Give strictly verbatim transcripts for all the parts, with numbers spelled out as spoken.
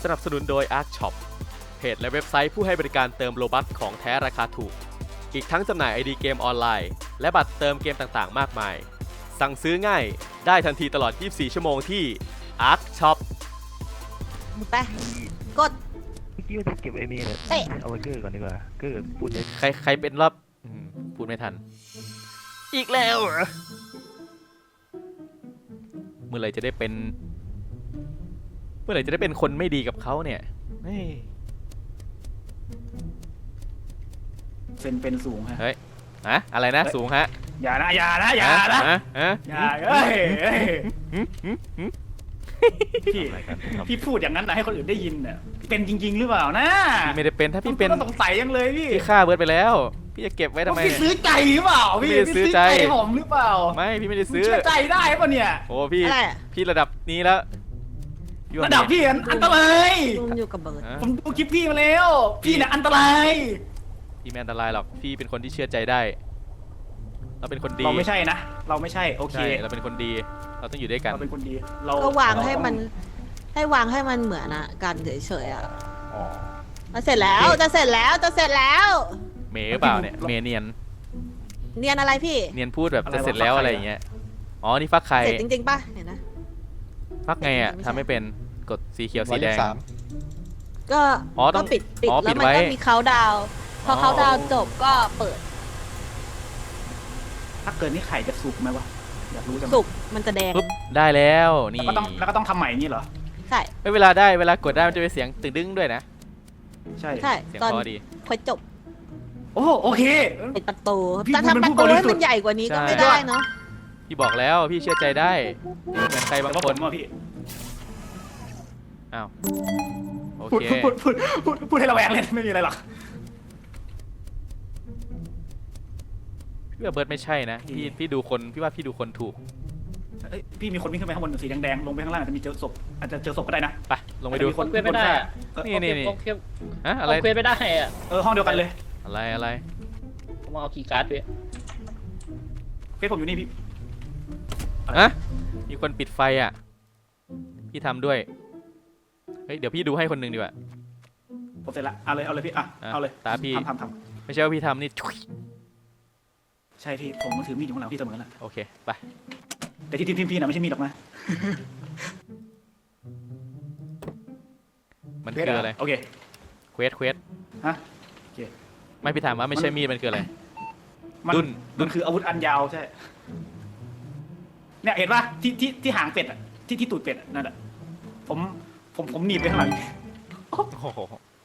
สนับสนุนโดย Ark Shop เพจและเว็บไซต์ผู้ให้บริการเติมโลบัคของแท้ราคาถูกอีกทั้งจำหน่าย ไอ ดี เกมออนไลน์และบัตรเติมเกมต่างๆมากมายสั่งซื้อง่ายได้ทันทีตลอดยี่สิบสี่ชั่วโมงที่ Ark Shop ไปกดเมื่อกี้ว่าจะเก็บไอ้นี่แหละเอ๊ะเอาไว้เกอร์ก่อนดีกว่าเกอร์พูดเยอะใครใครเป็นรอบอืมพูดไม่ทัน อีกแล้วเหรอเมื่อไหร่จะได้เป็น เมื่อไหร่จะได้เป็นคนไม่ดีกับเขาเนี่ยเฮ้ยเซนเป็นสูงฮะเฮ้ยฮะอะไรนะสูงฮะอย่านะอย่านะอย่านะฮะฮะอย่าเอ้ยเอ้ยหึหึหึพี่อะไรกันครับพี่พูดอย่างนั้นนะให้คนอื่นได้ยินเนี่ยเป็นจริง ๆ หรือเปล่านะพี่ไม่ได้เป็นถ้าพี่เป็นผมก็สงสัยยังเลยพี่พี่ฆ่าเบิร์ดไปแล้ว พี่จะเก็บไว้ทำไมพี่ซื้อใจหรือเปล่าพี่ไม่ได้ซื้อใจผมหรือเปล่าไม่พี่ไม่ได้ซื้ซื้อเชื่อใจได้ปะเนี่ยโอ้พี่อะไรอะพี่ระดับนี้แล้วพี่ว่าระดับพี่อันอันตรายลุมอยู่กับเบิร์ดฮะผมดูคลิปพี่มาแล้ว พี่เนี่ยอันตรายพี่ไม่อันตรายหรอกพี่เป็นคนที่เชื่อใจได้ เราเป็นคนดีเราไม่ใช่นะ เราไม่ใช่โอเคใช่เราเป็นคนดี เราต้องอยู่ด้วยกันเราเป็นคนดีเราก็วางให้มัน ให้วางให้มันเหมือนอะกันเฉยๆอะอ๋อมาเสร็จแล้วจะเสร็จแล้วจะเสร็จแล้วเมย์หรือเปล่าเนี่ยเมย์เนียนเนียนอะไรพี่เนียนพูดแบบจะเสร็จแล้วอะไรอย่างเงี้ยอ๋อนี่ฟักไข่เสร็จจริงๆป่ะเห็นนะฟักไงอ่ะไม่ใช่ทำไม่เป็นกดสีเขียวสีแดงก็อ๋อต้ก็องปิดปิดอ๋อแล้วปิดมันไว้ก็มีเขาดาวน์พออ๋อเขาดาวน์จบก็เปิดถ้าเกิดนี่ไข่จะสุกไหมวะอยากรู้จังสุกมันจะแดงปุ๊บได้แล้วนี่แล้วก็ต้องแล้วก็ต้องทำใหม่อย่างนี้เหรอใช่เอ้ยเวลาได้เวลากดได้มันจะเป็นเสียงตึงดึงด้วยนะใช่ใช่เสียงตอนพอดีค่อยจบโอ้โอเคปิดประตูพี่แต่มันทำประผู้ตูบริให้สุทธิ์มันใหญ่กว่านี้ก็ใช่ไม่ได้เนาะพี่บอกแล้วพี่เชื่อใจได้เหมือนใครบางแต่ว่าคผนมว่าพี่อ้าวโอพูดเคพูดพูดพูดพูดให้ระแวงเลยไม่มีอะไรหรอกพี่ว่าเบิร์ดไม่ใช่นะพี่พี่ดูคนพี่ว่าพี่ดูคนถูกเอ้ยพี่มีคนวิ่งขึ้นไปข้างบนสีแดงๆลงไปข้างล่างอาจจะมีเจอศพอาจจะเจอศพก็ได้นะไปลงไปดูมีคนเควสไม่ได้อะเออนี่นี่นี่เอาเควสฮะเอาอะไรเควสไม่ได้อะเออห้องเดียวกันเลยอะไรอะไรผมเอาคีย์การ์ดไปเฟซผมอยู่นี่พี่ฮะมีคนปิดไฟอ่ะพี่ทำด้วยเฮ้ยเดี๋ยวพี่ดูให้คนหนึ่งดีกว่าผมเสร็จละเอาเลยเอาเลยพี่อ่ะอ่ะเอาเลยตาพี่ทำทำทไม่ใช่ว่าพี่ทำนี่ชุยำใช่พี่ผมก็ถือมีดอยู่ข้างหลังพี่เสมอแหละโอเคไปแต่ที่ทีมพี่นะไม่ใช่มีดหรอกนะมันเฟคือซอะไรโอเคเควสเควสฮะไม่พี่ถามว่าไม่ใช่มีดมันคืออะไรมันดุ้นดุ้มัน นคืออาวุธอันยาวใช่เนี่ยเห็นป่ะที่ที่ที่หางเป็ดอ่ะที่ที่ตูดเป็ดอะนั่นแหละผมผมผมหนีบไปข้างหลังโอ้โห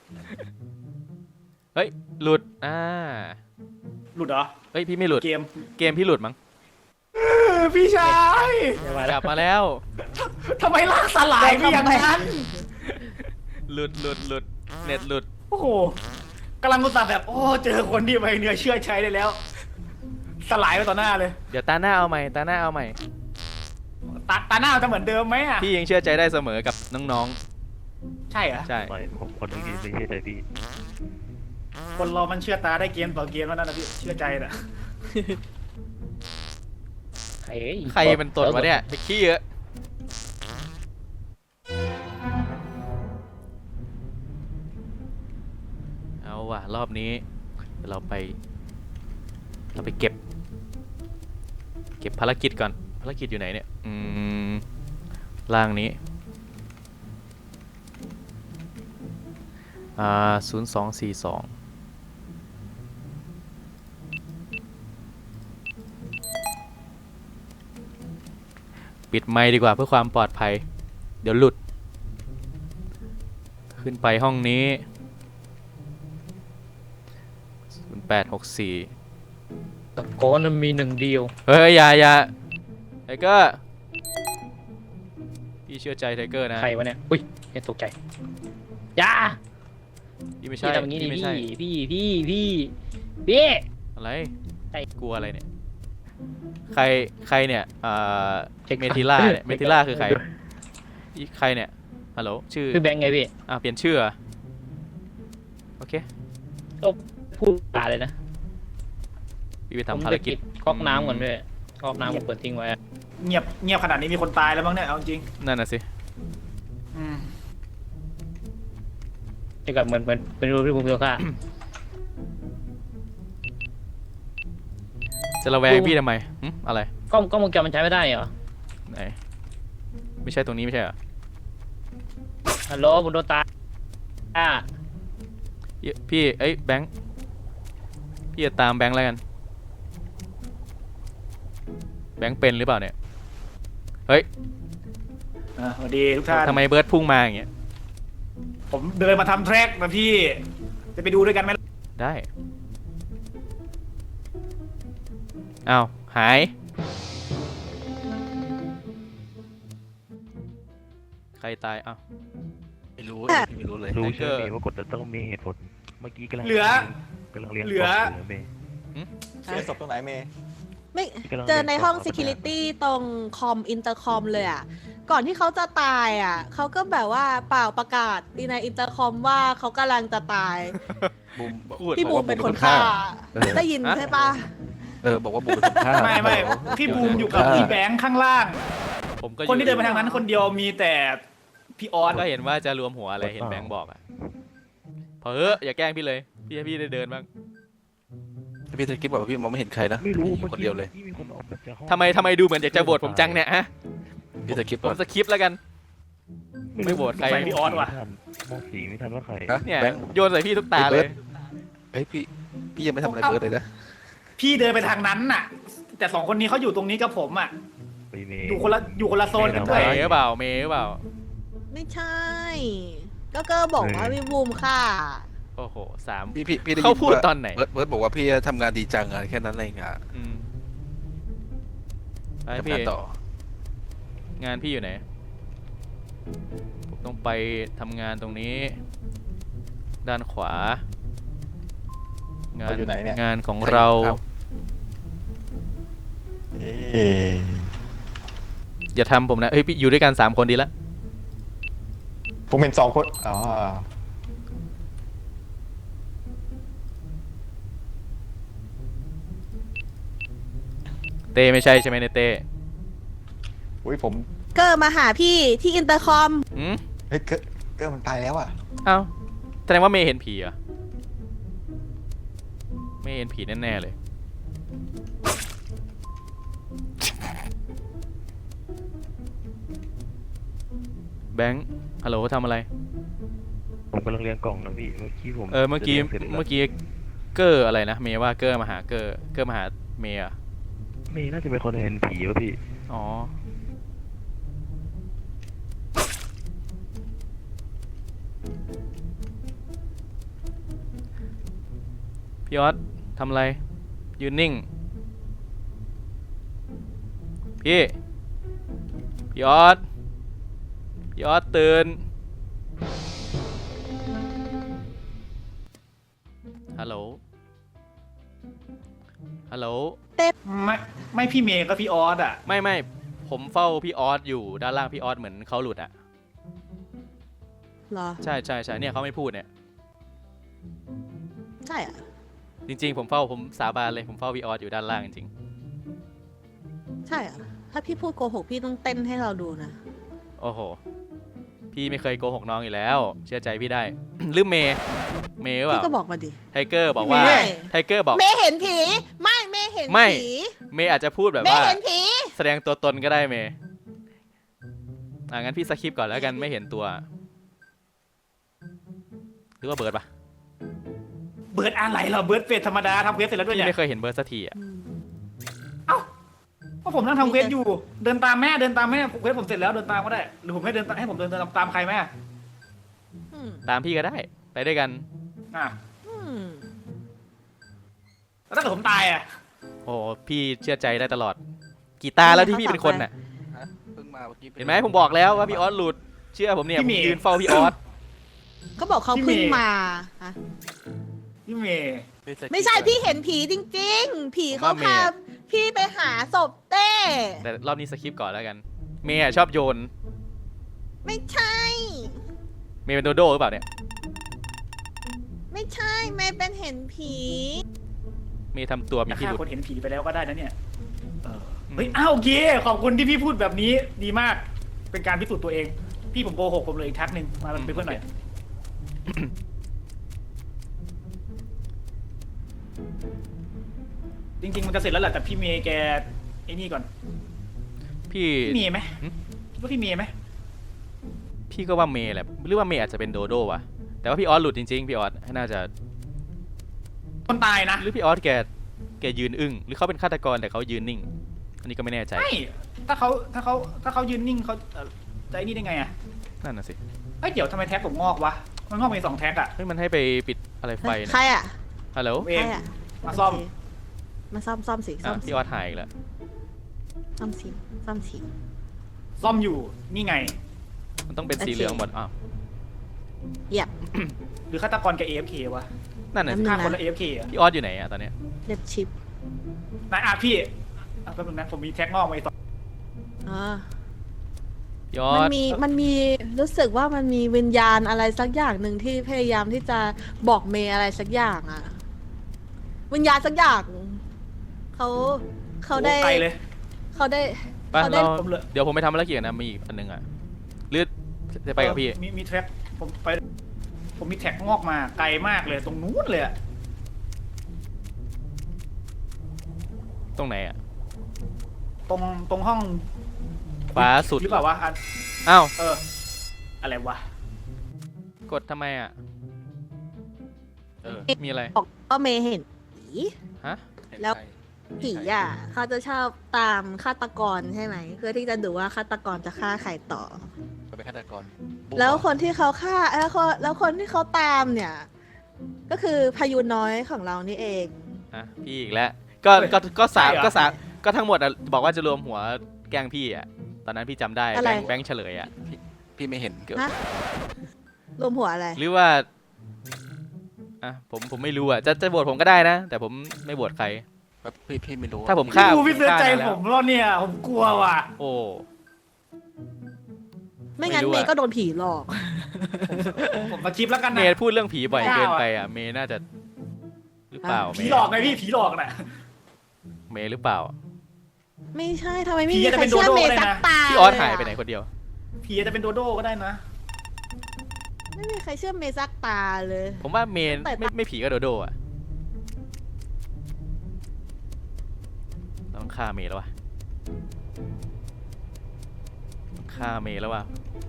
เฮ้ยหลุดอ่าหลุดเหรอเฮ้ยพี่ไม่หลุดเกมเกมพี่หลุดมั้งเออพี่ชายไม่ไหวกแล้ลัวบมาแล้วทำไมลากสลายพี่อย่างนั้นหลุดหลุดหลุดเน็ตหลุดโอ้โหกำลังกุตส่าห์แบบ โอ้เจอคนที่ไว้เนื้อเชื่อใช้ได้แล้ว สลายไปต่อหน้าเลยเดี๋ยวตาหน้าเอาใหม่ตาหน้าเอาใหม่ตาตาหน้าจะเหมือนเดิมไหมอ่ะพี่ยังเชื่อใจได้เสมอกับน้องใช่เหรอๆใช่ไม่ผมคนเมื่อกี้ไม่ใช่ใจพี่คนเรามันเชื่อตาได้เกมต่อเกมแล้วนั่นนะพี่เชื่อใจน่ะใครเอ้ยใครเป็นตดวะเนี่ยไปขี้เยอะเอาว่ะรอบนี้เราไป เราไปเก็บ เก็บภารกิจก่อนภารกิจอยู่ไหนเนี่ยอืมล่างนี้อ่าศูนย์สองสี่สองปิดไมค์ดีกว่าเพื่อความปลอดภัย เดี๋ยวหลุด ขึ้นไปห้องนี้ศูนย์แปดหกสี่ตะโกนมันมีหนึ่งเดียวเฮ้ยอย่าอย่าไทเกอร์พี่เชื่อใจไทเกอร์นะใครวะเนี่ยอุ้ยเห็นตกใจอย่าพี่ไม่ใช่พี่ทำอย่างนี้ดิพี่ไม่พี่ใช่พี่พี่พี่พี่อะไรใช่กลัวอะไรเนี่ยใครใครเนี่ยอ่าเช็คเมทิล่าเนี่ยเมทิล่าคือใครอีใครเนี่ยฮัลโหลชื่อพี่แบงค์ไงพี่อ่าเปลี่ยนชื่อเหรอโอเคพูดตาเลยนะพี่ไปผมทำภารจะกิปิจดก๊อกน้ำก่อนด้วยก๊อกน้ำผมเปิดทิ้งไว้อะเงียบเงียบขนาดนี้มีคนตายแล้วมั้งเนี่ยเอาจริงนั่นน่ะสิอืมจะกับเหมือนเหมือนเป็นรูปที่ผมตัวฆ่าจะระแวงพี่ทำไมหึอะไรกล้องกล้องวงจรมันใช้ไม่ได้เหรอไหนไม่ใช่ตรงนี้ไม่ใช่เหรอฮัลโหลผมโดนตายอ่าเอ้ยพี่เอ้ยแบงค์พี่จะตามแบงค์แล้วกันแบงค์เป็นหรือเปล่าเนี่ยเฮ้ยอ่ะสวัสดีทุกท่านทำไมเบิร์ดพุ่งมาอย่างเงี้ยผมเดินมาทำแทร็กนะพี่ จะไปดูด้วยกันไหมได้อ้าวหายใครตายอ้าวไม่รู้ไม่รู้เลยรู้แฮกเกใช่อร์ไหมว่ากดจะต้องมีเหตุผลเมื่อกี้กำลังเหลือกำลังเรียนเหลือเหลือเมย์เสียศพตรงไหนเมย์ไม่เจอในห้อง security ตรงคอมอินเตอร์คอมเลยอ่ะ ก่อนที่เขาจะตายอ่ะ เขาก็แบบว่าเปล่าประกาศในอินเตอร์คอมว่าเขากำลังจะตายบูมพูดพี่บูมเป็นคนฆ่า ได้ยินใช่ปะเออบอกว่าบูมเป็นคนฆ่าไม่ไม่พี่บูมอยู่กับพี่แบงค์ข้างล่างผมก็คนที่เดินไปทางนั้นคนเดียวมีแต่พี่ออสก็เห็นว่าจะรวมหัวอะไรเห็นแบงค์บอกอ่ะพอเอออย่าแกล้งพี่เลยพี่ให้พี่ได้เดินบ้างพี่ตะกี้บอกว่าพี่มองไม่เห็นใครนะไม่รู้มีเมื่อคนกี้เดียวเลยที่มีคนออกมาจากห้องทำไมทำไมดูเหมือนอยากจะโหวตผมจังเนี่ยฮะพี่ตะกี้ผบอมกสคิปแล้วกัน ไม่โหวตใครไปพี่ออสว่ะมองสีไม่ทันว่าใครฮะเนี่ยแบงค์โยนใส่พี่ทุกตาเลยเฮ้ยพี่พี่ยังไม่ทำอะไรเบิร์ดเลยนะพี่เดินไปทางนั้นน่ะ แต่สองคนนี้เขาอยู่ตรงนี้กับผมอ่ะไปเมย์อยู่คนละอยู่คนละโซนกันด้เมวยย์หรือเปล่าเมย์หรือเปล่าไม่ใช่ ก็เกอร์บอกว่าพี่บูมฆ่าโอ้โหสามพี่พี่พี่ได้ยินเขาพูดว่าตอนไหนเบิร์ดเบิร์ดบอกว่าพี่ทำงานดีจังอะแค่นั้นเองอะอืมไปทำพี่งานต่องานพี่อยู่ไหนผมต้องไปทำงานตรงนี้ ด้านขวา งานอยู่ไหนเนี่ยงานของเราเอ๊ะอย่าทำผมนะเฮ้ยพี่อยู่ด้วยกันสามคนดีละผมเห็นสองคนอ๋อเต้ไม่ใช่ใช่ไหมในเต้อุ้ยผมเกอร์มาหาพี่ที่อินเตอร์คอมอืมเฮ้ยเกอร์เกอร์มันตายแล้วอ่ะเอ้าแสดงว่าเมย์เห็นผีเหรอเมย์เห็นผีแน่ๆเลย แบงค์ฮัลโหลทำอะไรผมกำลังเรียงกล่องนะพี่เมื่อกี้ผมเออเมื่อกี้จะรียงสร็จแล้วเมื่อกี้เกอร์อะไรนะเมย์ว่าเกอร์มาหาเกอร์เกอร์มาหาเมย์อะเมย์น่าจะเป็นคนเห็นผีวะพี่อ๋อพี่ออสทำอะไรยืนนิ่งพี่พี่ออสพี่ออสตื่นฮัลโหลฮัลโหลไม่ไม่พี่เมย์ก็พี่ออสอ่ะไม่ไม่ผมเฝ้าพี่ออสอยู่ด้านล่างพี่ออสเหมือนเขาหลุดอ่ะเหรอใช่ใช่ใช่เนี่ยเขาไม่พูดเนี่ยใช่อะจริงๆ ผมเฝ้าผมสาบานเลยผมเฝ้าพี่ออสอยู่ด้านล่างจริงใช่อะถ้าพี่พูดโกหกพี่ต้องเต้นให้เราดูนะๆโอ้โหพี่ไม่เคยโกหกน้องอยู่แล้ว เชื่อใจพี่ได้ ลืมเมย์เมย์หรือเปพี่ล่าก็บอกมาดิไทเกอร์บอกว่าไม่ไทเกอร์บอกเมย์เห็นผี ไม่เมย์เห็นไม่ผีเมย์อาจจะพูดแบบเมว่าย์เห็นผีแสดงตัวตนก็ได้เมย์อ่ะงั้นพี่สคริปต์ก่อนแล้วกันไม่เห็นตัว หรือว่าเบิร์ดปะเบิร์ดอะไรเหรอเบิร์ดเฟสธรรมดาทำเควสเสร็จแล้วด้วยพี่เนี่ยไม่เคยเห็นเบิร์ดสักทีอ่ะอืมเพราะผมนั่งทำเควสอยู่ เดินตามแม่เดินตามแม่เควสผมเสร็จแล้วเดินตามก็ได้หรือผมให้เดินตามให้ผมเดินตามตามใครไหมอ่ะอืมตามพี่ก็ได้ไปด้วยกันอ่ะอืมแล้วถ้าเกิดผมตายอ่ะโอ้โหพี่เชื่อใจได้ตลอด กี่ตาแล้วที่พี่เป็นคนน่ะฮะเพิ่งมาเมื่อกี้เห็นไหมผมบอกแล้วว่าพี่ออสหลุด เชื่อผมเนี่ยผมยืนเฝ้าพี่ออสก็บอกเขาเพิ่งมาอะพี่เมย์ไม่ใช่พี่เห็นผีจริง ๆ ผีเขาพาพี่ไปหาศพเต้แต่รอบนี้สคริปต์ก่อนแล้วกัน เมย์อะชอบโยนไม่ใช่เมย์เป็นโดโดหรือเปล่าเนี่ยไม่ใช่เมย์เป็นเห็นผีเมย์ทำตัวมีจะพิฆ่ารุธคนเห็นผีไปแล้วก็ได้นะเนี่ยเออเฮ้ยอ้าวโอเคขอบคุณที่พี่พูดแบบนี้ดีมากเป็นการพิสูจน์ตัวเอง พี่ผมโกหกผมเลยอีกทักหนึ่งมาเป็นเพื่อนหน่อยจริง ๆ มันจะเสร็จแล้วแหละแต่พี่เมย์แกไอ้นี่ก่อนพี่พี่เมย์ไหมหึคิดว่าพี่เมย์ไหมพี่ก็ว่าเมย์แหละหรือว่าเมย์อาจจะเป็นโดโด้วะแต่ว่าพี่ออสหลุดจริงๆพี่ออสน่าจะคนตายนะหรือพี่ออสแกแกยืนอึ้งหรือเขาเป็นฆาตกรแต่เขายืนนิ่ง อันนี้ก็ไม่แน่ใจไม่ถ้าเขาถ้าเขาถ้าเขายืนนิ่งเขาเอ่อจะไอ้นี่ได้ไงอ่ะนั่นน่ะสิเอ้ยเดี๋ยวทำไมแท็กผมงอกวะมันงอกมีสองแท็กอ่ะเฮ้ยมันให้ไปปิดอะไรไฟใครนะอ่ะฮัลโหลผมเอใคงรอ่ะมาซ่อมโเคมาซ่อมซ่อมสิซ่อ่ะอมสิพี่ออสหายอีกแล้วซ่อมสิซ่อมสิซ่อมอยู่นี่ไงมันต้องเป็นสีโอเคเหลืองหมดอ้าวเหยียบหรือฆาตกรกับ เอ เอฟ เค วะนั่นน่ะสิแป๊บนึงฆ่าคนละ เอ เอฟ เค อ่ะพี่ออสอยู่ไหนอะตอนเนี้ยเล็บชิปนายอาพี่อ่ะแป๊บนึงนะผมมีแท็กงอกมาอีกสองอ่าพี่ออมันสมีมันมีรู้สึกว่ามันมีวิญญาณอะไรสักอย่างหนึ่งที่พยายามที่จะบอกเมย์อะไรสักอย่างอ่ะ วิญญาณสักอย่างเขาเขาได้โอ้ไกลเลยเขาได้ไปเขาได้เราผมเหลือเดี๋ยวผมไปทำภารกิจนะมีอีกอันหนึงอะหรือจะไปกับพี่เออมีมีแท็กผมไปผมมีแท็กงอกมาไกลมากเลยตรงนู้นเลยอะตรงไหนอะตรงตรงห้องขวาสุดหรือเปล่าวะอ่ะอ้าวเออ อะไรวะกดทำไมอะเออมีอะไรบอกว่าเมย์เห็นผีฮะแล้ว ผีอ่ะเขาจะชอบตามฆาตกรใช่ไหมเพื่อที่จะดูว่าฆาตกรจะฆ่าใครต่อเป็นฆาตกรแล้วคนที่เขาฆ่าแล้วคนแล้วคนที่เขาตามเนี่ย ก็คือพายุน้อยของเรานี่เองอ่ะพี่อีกแล้วก็ก็ก็สามใช่เหรอก็สามก็ทั้งหมดอะบอกว่าจะรวมหัวแกล้งพี่อะตอนนั้นพี่จำได้อะไรแบงค์แบงค์เฉลยอะพี่ไม่เห็นฮะรวมหัวอะไรหรือว่าอ่ะผมผมไม่รู้อะจะจะโหวตผมก็ได้นะ แต่ผมไม่โหวตใครแบบพี่พี่ไม่รู้ถ้าผมพี่ฆ่าดูพี่เสียใจฆ่าได้แล้วผมแล้วเนี่ย ผมกลัวว่ะโอ้ไม่งั้นไม่รู้เมอะย์ก็โดนผีหลอกผมมาคลิปแล้วกันเมนะย์พูดเรื่องผีบ่อยเกินไปอะเมย์น่าจะหรือเปล่าผีหลอกไงพี่ผีหลอกน่ะเมย์หรือเปล่าไม่ใช่ทำไมไม่ผีมีจะใครเป็นเชื่อโดโด้เมย์ได้สักนะตาพี่ออสเลหายอะไปไหนคนเดียวผีจะเป็นโดโด้ก็ได้นะไม่มีใครเชื่อเมย์สักตาเลยผมว่าเมย์แต่ไม่ไม่ผีก็โดโดอะต้องฆ่าเมย์แล้ววะต้องฆ่าเมย์แล้ววะ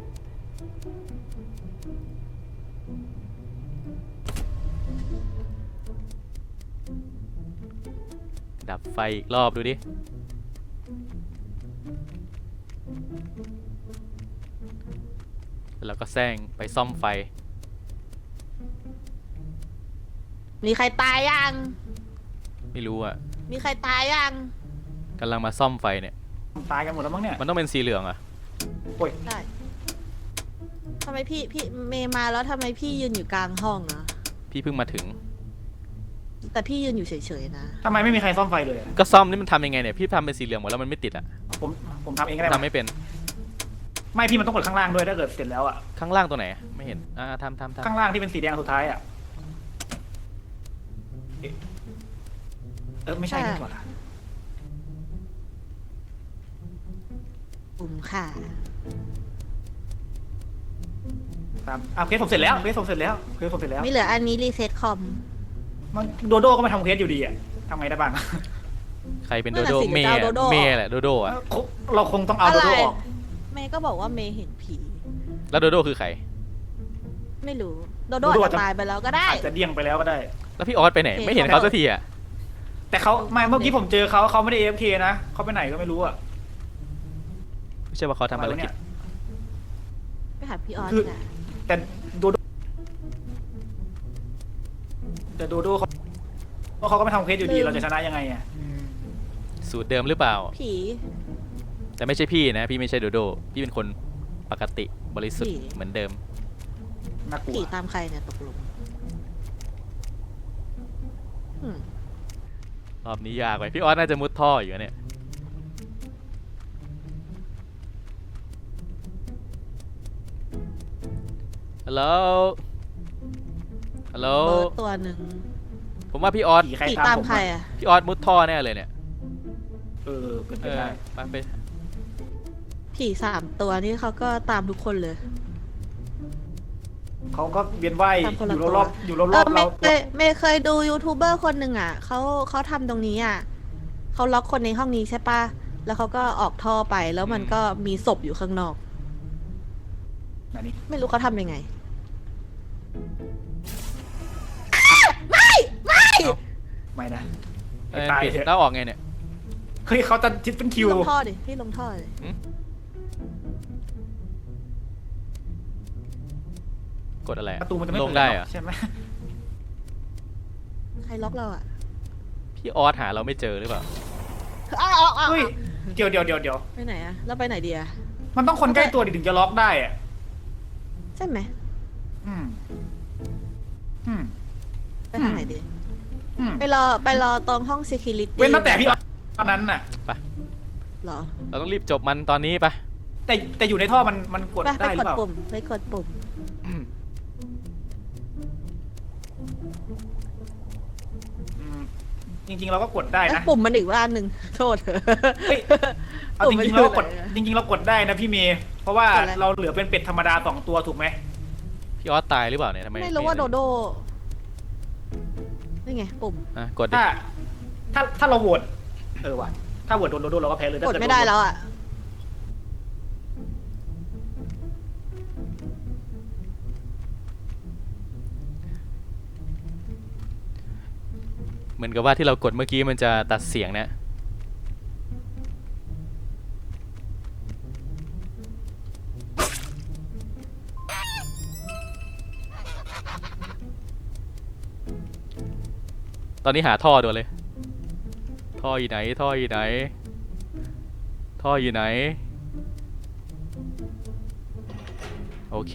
ดับไฟอีกรอบดูดิ แล้วก็แซงไปซ่อมไฟมีใครตายยังไม่รู้อ่ะมีใครตายยังกำลังมาซ่อมไฟเนี่ยตายกันหมดแล้วมั้งเนี่ยมันต้องเป็นสีเหลืองอ่ะโอ้ยได้ทำไมพี่พี่เมย์มาแล้วทำไมพี่ยืนอยู่กลางห้องอะพี่เพิ่งมาถึงแต่พี่ยืนอยู่เฉยๆนะทำไมไม่มีใครซ่อมไฟเลยอะก็ซ่อมนี่มันทำยังไงเนี่ย พี่ทำเป็นสีเหลืองหมดแล้วมันไม่ติดอ่ะผมผมทำเองก็ได้ทำปะไม่เป็นไม่พี่มันต้องกดข้างล่างด้วยถ้าเกิดเสร็จแล้วอ่ะข้างล่างตัวไหน ไม่เห็น อ่าทำทำทำข้างล่างที่เป็นสีแดงสุดท้ายอ่ะเอ๊ะเออไม่ใช่นี่หว่าปุ่มค่ะตามอ่ะเคสผมเสร็จแล้วเคสผมเสร็จแล้วเคสผมเสร็จแล้วไม่เหลืออันนี้รีเซ็ตคอมมันโดโด้ก็มาทำเคสอยู่ดีอ่ะทำไงได้บ้างใครเป็นนั่โดนน่ะโดสิเมย์จะเอาโดโด้เมย์แหละโดโดอ่ะเราคงต้องเอาโดโด้ออกเมย์ก็บอกว่าเมย์เห็นผีแล้วโดโดคือใครไม่รู้ โดโดอาจจะตายไปแล้วก็ได้อาจจะเดี่ยงไปแล้วก็ได้แล้วพี่ออสไปไหนโอเคไม่เห็นเขาสักทีอ่ะแต่เขาไม่เมื่อกี้ผมเจอเขาเขาไม่ได้ เอ เอฟ เค นะเขาไปไหนก็ไม่รู้อ่ะไม่ใช่ว่าเขาทำภารกิจไปหาพี่ออสคือนะแต่โดโดแต่โดโด้เขาเพราะเขาก็ไม่ทำเคสอยู่ดีเราจะชนะยังไงอ่ะสูตรเดิมหรือเปล่าผีแต่ไม่ใช่พี่นะ พี่ไม่ใช่โดโด พี่เป็นคนปกติบริสุทธิ์ผีเหมือนเดิมน่ากลัวผีตามใครเนี่ยตกลงอืมรอบนี้ยากไปพี่ออสน่าจะมุดท่ออยู่เนี่ยฮัลโหล ฮัลโหลเบิร์ดตัวหนึ่งผมว่าพี่ออสผีใครผีตามตามผมใครอะอ่ะพี่ออสมุดท่อแน่เลยเนี่ยเออเป็นไปเออได้ไปไปผีสามตัวนี่เขาก็ตามทุกคนเลยเขาก็เวียนว่ายทำคนอละยู่ตัวรอบๆอยู่รเอออบๆเมเราย์เมย์เมย์เคยดูยูทูบเบอร์คนหนึ่งอ่ะเขาเขาทำตรงนี้อ่ะเขาล็อกคนในห้องนี้ใช่ปะแล้วเขาก็ออกท่อไปแล้วมันก็มีศพอยู่ข้างนอกอันนี้ไม่รู้เขาทำยังไงไม่นะเอ้ยตายปิดเถอะแล้วออกไงเนี่ยเฮ้ยเขาจะทิปเป็นคิพี่วลงท่อดิพี่ลงท่อดิกดอะไรอะประตูมันจะไม่ลเปิงดได้หรเหรออะใช่ไหมใครล็อกเราอ่ะพี่ออสหาเราไม่เจอหรือเปล่าอ้าวอ้าวอ้าวเฮ้ยเดี๋ยวเดี๋ยวเดี๋ยวเดี๋ยวไปไหนอ่ะเราไปไหนดีอ่ะมันต้องคนใกล้ตัวดิถึงจะล็อกได้อะใช่ไหมอืมอืมไปทางไหนดีอืมไปรอไปรอตรงห้อง security เว้นตั้งแต่พี่ออสตอนนั้นน่ะเหรอเราต้องรีบจบมันตอนนี้ปะแต่แต่อยู่ในท่อมันมันกดไปไปได้หกรือดเปล่าปุ่มไปกดปุ่มอืมจริง ๆ เราก็กดได้แล้วนะปุ่มมันอีกว่าอันหนึ่งโทษเฮ้ย เอาจริงๆเราก็กดจริง ๆ เรากดได้นะพี่เมย์เพราะว่ากดอะไรเราเหลือเป็นเป็ดธรรมดาสองตัวถูกไหมพี่ออสตายหรือเปล่าเนี่ยทำไมไม่รู้ว่าโดเห็นโดนี่ไงปุ่มอ่ะกดดิถ้า ถ้าถ้าเราโหวตเออว่ะถ้าโหวตโดนโดนเราก็แพ้เลยถ้ากดเกิไม่ได้โนแล้วอ่ะเหมือนกับว่าที่เรากดเมื่อกี้มันจะตัดเสียงเนี่ยตอนนี้หาท่อด่วนเลย ท่ออยู่ไหน ท่ออยู่ไหน ท่ออยู่ไหน โอเค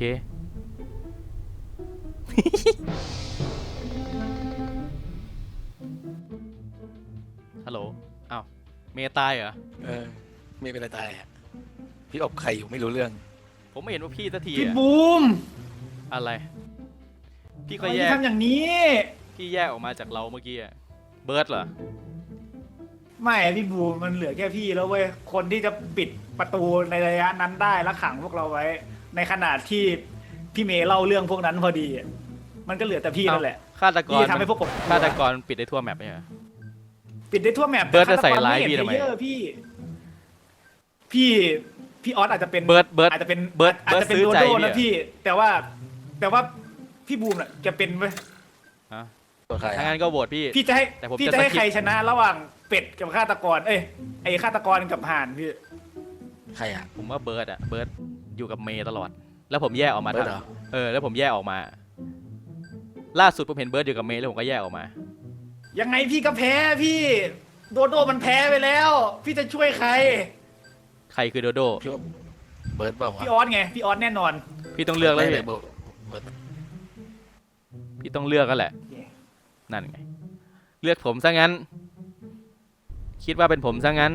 ฮัลโหล อ้าว เมย์ตายเหรอเออไม่เป็นไรตายอะพี่อบไข่อยู่ไม่รู้เรื่องผมไม่เห็นว่าพี่สักทีพี่อะบูมอะไร พี่ทำก็ไมแยพี่กทำอย่างนี้พี่แยกออกมาจากเราเมื่อกี้อะเบิร์ดเหรอไม่พี่บูมมันเหลือแค่พี่แล้วเว้ยคนที่จะปิดประตูในระยะนั้นได้และขังพวกเราไว้ ในขณะที่พี่เมย์เล่าเรื่องพวกนั้นพอดีอะมันก็เหลือแต่พี่นั่นแหละฆาตกรที่ทำให้พวกผมฆาตกรปิดได้ทั่วแมปไหมเหรอปิดได้ทั่วแมปเบิร์ดจะใส่ร้ายพี่ทำไมฆตกรเห็นเพลเยอร์พี่ พี่พี่ออสอาจจะเป็นเบิร์ดเบิร์ดอาจจะเป็นเบิร์ดอาจจะเป็นเบิร์ดซื้โดอใจโดพี่นะอะพี่ แต่ว่า แต่ว่าพี่บูมน่ะจะเป็นเว้ยฮะตัวใครถ้าอะงั้นก็โหวตพี่พี่จะให้แต่ผมพี่จะจะให้สกิปใครชนะระหว่างเป็ดกับฆาตกร เอ้ยไอ้ฆาตกรกับห่านพี่ใครอ่ะผมว่าเบิร์ดอะเบิร์ดอยู่กับเมย์ตลอด แล้วผมแยกออกมาเบิร์ดเหรอทำเออ แล้วผมแยกออกมา ล่าสุดผมเห็นเบิร์ดอยู่กับเมย์แล้วผมก็แยกออกมายังไงพี่ก็แพ้พี่โดโดมันแพ้ไปแล้ว พี่จะช่วยใครใครคือโดโดพี่ว่าเบิร์ดเปล่าวะพี่ออสไงพี่ออสแน่นอนพี่ต้องเลือกแล้วไม่พี่เลยเบิร์ดเบิร์ดพี่ต้องเลือกกันแหละโอเคนั่นไง เลือกผมซะงั้น คิดว่าเป็นผมซะงั้น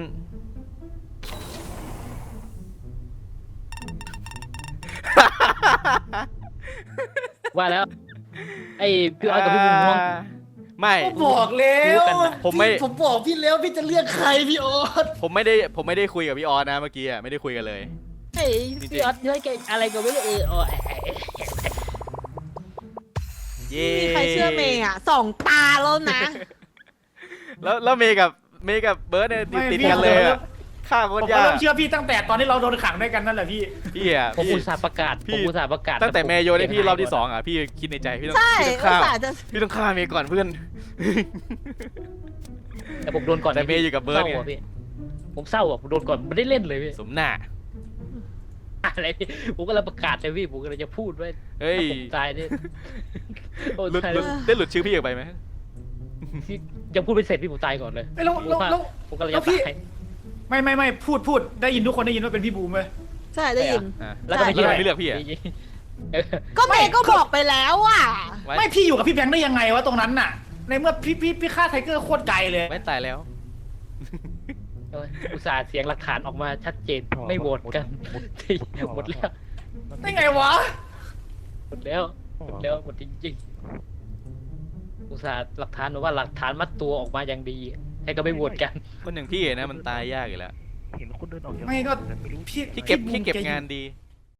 ว่าแล้ว ไอ้พี่ออสกับพี่บุญม่วงไม่บอกแล้วรู้กันนะผมไม่ผมบอกพี่แล้วพี่จะเลือกใครพี่ออสผมไม่ได้ผมไม่ได้คุยกับพี่ออสนะเมื่อกี้อะไม่ได้คุยกันเลยไอ้พี่ออสเฮ้ยแกอะไรก็ไม่รู้เออโอ้ยเย้มีใครเชื่อเมย์อ่ะสองตาแล้วนะแล้วแล้วเมย์กับเมย์กับเบิร์ดเนี่ยติดไม่ติดพี่กันเลยอะฆ่าคผมนก็ยากเริ่มเชื่อพี่ตั้งแต่ตอนที่เราโดนขังด้วยกันนั่นแหละพี่พี่อะผมพี่อุตส่าห์ประกาศพี่ผมอุตส่าห์ประกาศตั้งแต่ผมเมย์โยนให้พี่เสียหายรอบที่หมดสองอะพี่คิดในใจพี่ต้องใช่พี่ต้องอุตฆ่าส่าห์จะพี่ต้องฆ่าเมย์ก่อนเพื่อนแต่ผมโดนก่อนแต่เมย์อยู่กับเบิร์ดเศไงร้าอะพี่ผมเศร้าอ่ะผมโดนก่อนไม่ได้เล่นเลยพี่สมหน้าอะไรพี่ผมก็เลยประกาศเลยพี่ผมก็เลยจะพูดว่าเฮ้ยผมตายเนี่ยโอ้หลุดตายหลุแล้ดวได้หลุดชื่อพี่ออกไปไหมพี่ยังพูดไม่เสร็จพี่ผมตายก่อนเลยเอ้ยแล้วแล้วแล้วผมก็เลยแล้จะวพี่ตายไม่ไม่ไม่พูดพูดได้ยินทุกคนได้ยินว่าเป็นพี่บูมเลยใช่ได้ยินอ่ะแล้วก็ไม่เลือกใช่ไม่เลือกพี่อะเออก็เมย์ก็บอกไปแล้วอ่ะไว้ไม่พี่อยู่กับพี่แบงค์ได้ยังไงวะตรงนั้นน่ะ ในเมื่อพี่พี่พี่ฆ่าไทเกอร์โคตรไกลเลยไว้ตายแล้วเอออุตส่าห์เสียงหลักฐานออกมาชัดเจนไม่โหวตกันหมดแล้วได้ไงวะหมดแล้วหมดแล้วหมดจริงๆอุตส่าห์หลักฐานบอกว่าหลักฐานมัดตัวออกมาอย่างดีให้ก็ไม่โหวตกันคนอย่างพี่นะมันตายยากอยู่แล้วเห็นคนเดินออกจากไม่ก็ไม่รู้พี่พี่เก็บบูมพี่เก็บแอยู่งานดี